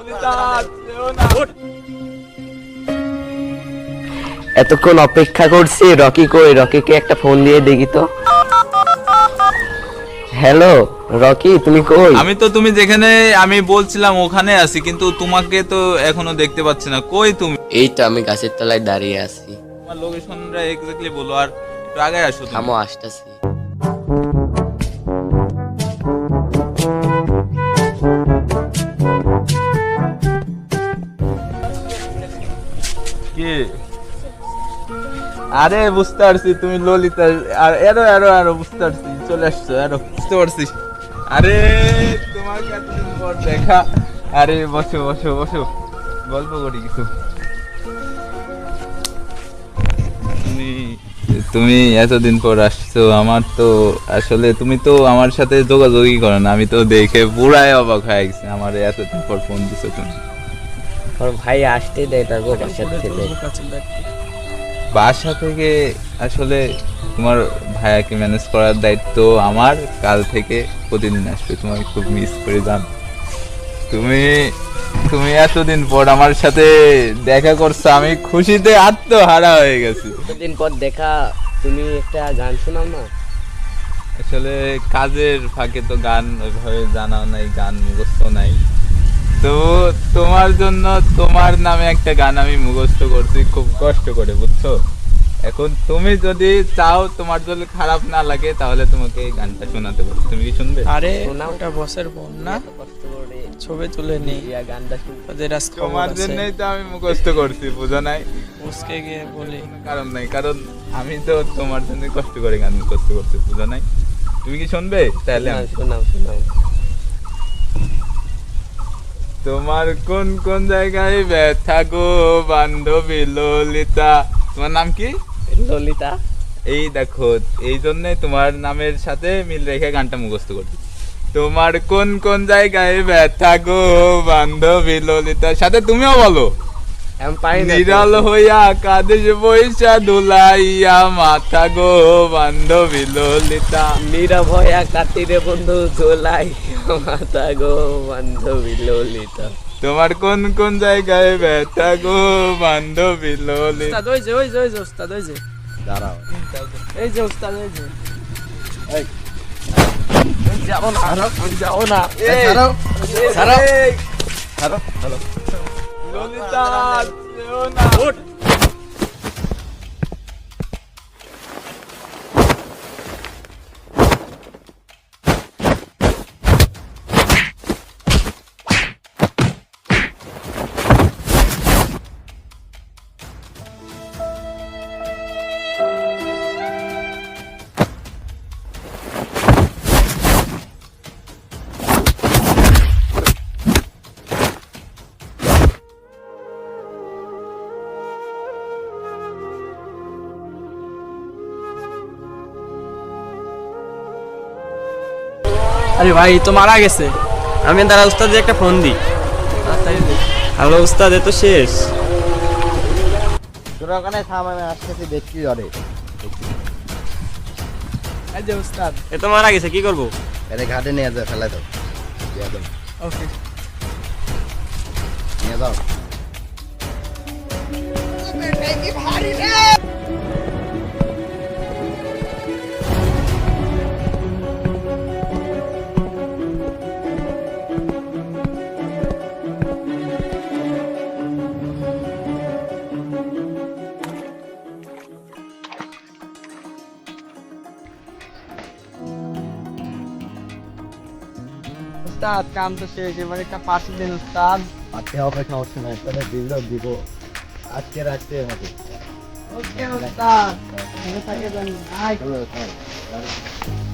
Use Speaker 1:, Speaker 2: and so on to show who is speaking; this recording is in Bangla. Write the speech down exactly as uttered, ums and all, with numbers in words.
Speaker 1: এতক্ষণ অপেক্ষা করছি, রকি কই? রকিকে একটা ফোন দিয়ে দেখি তো। হ্যালো রকি, তুমি কই?
Speaker 2: আমি তো তুমি যেখানে আমি বলছিলাম ওখানে আছি, কিন্তু তোমাকে তো এখনো দেখতে পাচ্ছি না। কই তুমি?
Speaker 1: এই তো আমি গাছের তলায় দাঁড়িয়ে আছি।
Speaker 2: তোমার লোকেশনটা এক্স্যাক্টলি বলো, আর একটু আগে আসো তুমি।
Speaker 1: থামো, আসতেছি।
Speaker 2: কি? আরে বুঝতে পারছি তুমি ললিতা। আর এরো এরো এরো বুঝতে পারছি, চলে আসছো। এরো বুঝতে পারছি। আরে তোমাকে এতদিন পর দেখা। আরে বসো বসো বসো, গল্প করি কিছু। তুমি তুমি এতদিন পর আসছো। আমার তো আসলে তুমি তো আমার সাথে যোগাযোগই করো না। আমি তো দেখে পুরাই অবাক হয়ে গেছি, আমার এতদিন পর ফোন দিছো তুমি।
Speaker 1: ওর ভাই আসতে দেয় না গো বাসার থেকে।
Speaker 2: বাসা থেকে আসলে তোমার ভাইয়াকে ম্যানেজ করার দায়িত্ব আমার। কাল থেকে প্রতিদিন আসবে, তোমাকে খুব মিস করে যান। তুমি তুমি এতদিন পর আমার সাথে দেখা করছো, আমি খুশিতে আত্মহারা হয়ে গেছি।
Speaker 1: দিন পর দেখা, তুমি একটা গান শোনাও না।
Speaker 2: আসলে কাজের ফাঁকে তো গান ওইভাবে জানাও নাই, গান মুখস্থ নাই। তো তোমার জন্য তোমার নামে একটা গান আমি মুখস্থ করছি খুব কষ্ট করে, বুঝছো? এখন তুমি যদি চাও, তোমার যদি খারাপ না লাগে, তাহলে তোমাকে এই গানটা শোনাতে পারো। তুমি কি শুনবে?
Speaker 3: আরে
Speaker 1: শোনাও।
Speaker 3: ওটা বসের বোন না,
Speaker 1: এত কষ্ট করে
Speaker 3: ছবি তুলে নি
Speaker 1: ইয়া গানটা শুনতে।
Speaker 3: ওদের আজ খবর
Speaker 2: তোমার
Speaker 3: আছে।
Speaker 2: জন্যই তো আমি মুখস্থ করছি, বুঝো নাই?
Speaker 3: বসকে গিয়ে বলি
Speaker 2: কোনো কারণ নাই, কারণ আমি তো তোমার জন্য কষ্ট করে গান মুখস্থ করছি, বুঝো নাই? তুমি কি শুনবে? তাহলে
Speaker 1: শোনাও
Speaker 2: আমি-
Speaker 1: শোনাও শোনাও।
Speaker 2: তোমার কোন কোন জায়গায় ব্যথা গো বান্ধবী ললিতা। তোমার নাম কি?
Speaker 1: ললিতা।
Speaker 2: এই দেখো, এই জন্য তোমার নামের সাথে মিল রেখে গানটা মুখস্থ করছি। তোমার কোন কোন জায়গায় ব্যথা গো বান্ধবী ললিতা, সাথে তুমিও বলো।
Speaker 1: আমি পারি না।
Speaker 2: নিরাল হইয়া কাদেশ বৈশা দুলাইয়া মাথা গো বান্ধবী ললিতা।
Speaker 1: নীরব হইয়া কাটিরে বন্ধু দোলাই মাথা গো বান্ধবী ললিতা।
Speaker 2: তোমার কোন কোন জায়গায় ব্যথা গো বান্ধবী ললিতা।
Speaker 3: উস্তাদ, ওই যে ওই যে ওই যে উস্তাদ, ওই যে
Speaker 1: দাঁড়াও।
Speaker 3: এই যে উস্তাদ, এই যে
Speaker 1: যাও না, যাও না।
Speaker 2: এই,
Speaker 1: ছাড়াও, ছাড়াও।
Speaker 2: এই,
Speaker 1: ছাড়াও, ছাড়াও।
Speaker 2: ললিতা যেও না।
Speaker 3: আরে ভাই তো মারা গেছে।
Speaker 4: আমি দাঁড়া উস্তাদে একটা ফোন দিই।
Speaker 3: তাড়াতাড়ি দে।
Speaker 4: হ্যালো উস্তাদ, এ তো শেষ।
Speaker 1: তোরা ওখানে থাম, আমি আসতেছি, দেখছি ধরে।
Speaker 3: এই যে উস্তাদ।
Speaker 4: এ তো মারা গেছে, কি করবো?
Speaker 1: এটা ঘাটে নিয়ে যাও, ফেলে দাও। দিয়ে দাও,
Speaker 3: ওকে।
Speaker 1: নিয়ে দাও।
Speaker 3: উস্তাদ কাম তো শেষ, এবার একটা পার্টি দিন উস্তাদ।
Speaker 1: আজকে হবে সমস্যা নাই, তাহলে দিলেও দিব। আজকে রাখতে হবে।
Speaker 3: ওকে উস্তাদ, ভালো থাকবেন। বাই।
Speaker 1: চলো, চলো।